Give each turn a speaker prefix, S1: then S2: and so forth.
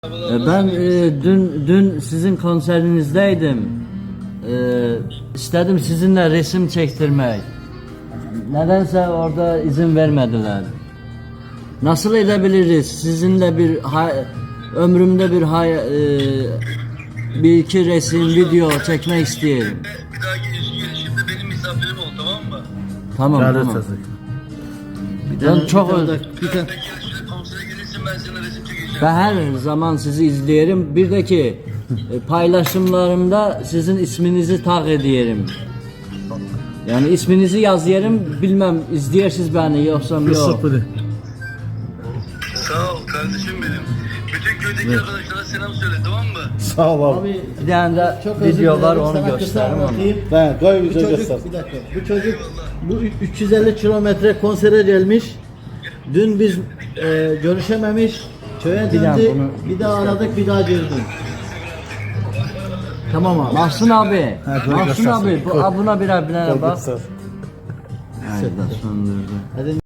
S1: Ben dün sizin konserinizdeydim. İstedim sizinle resim çektirmek. Nedense orada izin vermediler. Nasıl edebiliriz? Sizinle ömrümde bir iki resim, video çekmek istiyorum.
S2: Bir dahaki gelişimde benim misafirim ol, tamam mı?
S1: Tamam. Ben çok
S2: Konsere gelirsin, ben sana resim çekeceğim.
S1: Ben her zaman sizi izleyelim. Bir de ki paylaşımlarımda sizin isminizi tag ediyorum. Yani isminizi yazıyorum. Bilmem izleyersiniz beni yoksa yok.
S2: Sağ ol kardeşim benim. Bütün köydeki arkadaşlara selam söyle, tamam mı?
S3: Sağ ol abi.
S1: Bir tane de video var, onu gösteririm onu.
S3: Ben koy video göster.
S4: Bir dakika. Bu çocuk bu 350 kilometre konsere gelmiş. Dün biz görüşememiş. Köye döndü. Bir daha aradık, bir daha girdim. Tamam abi.
S1: Mahsun abi.
S3: koy
S1: Mahsun
S3: göstersin.
S1: abi. Buna birer bak.
S3: Göster.
S1: Haydi söndürdü.
S4: Hadi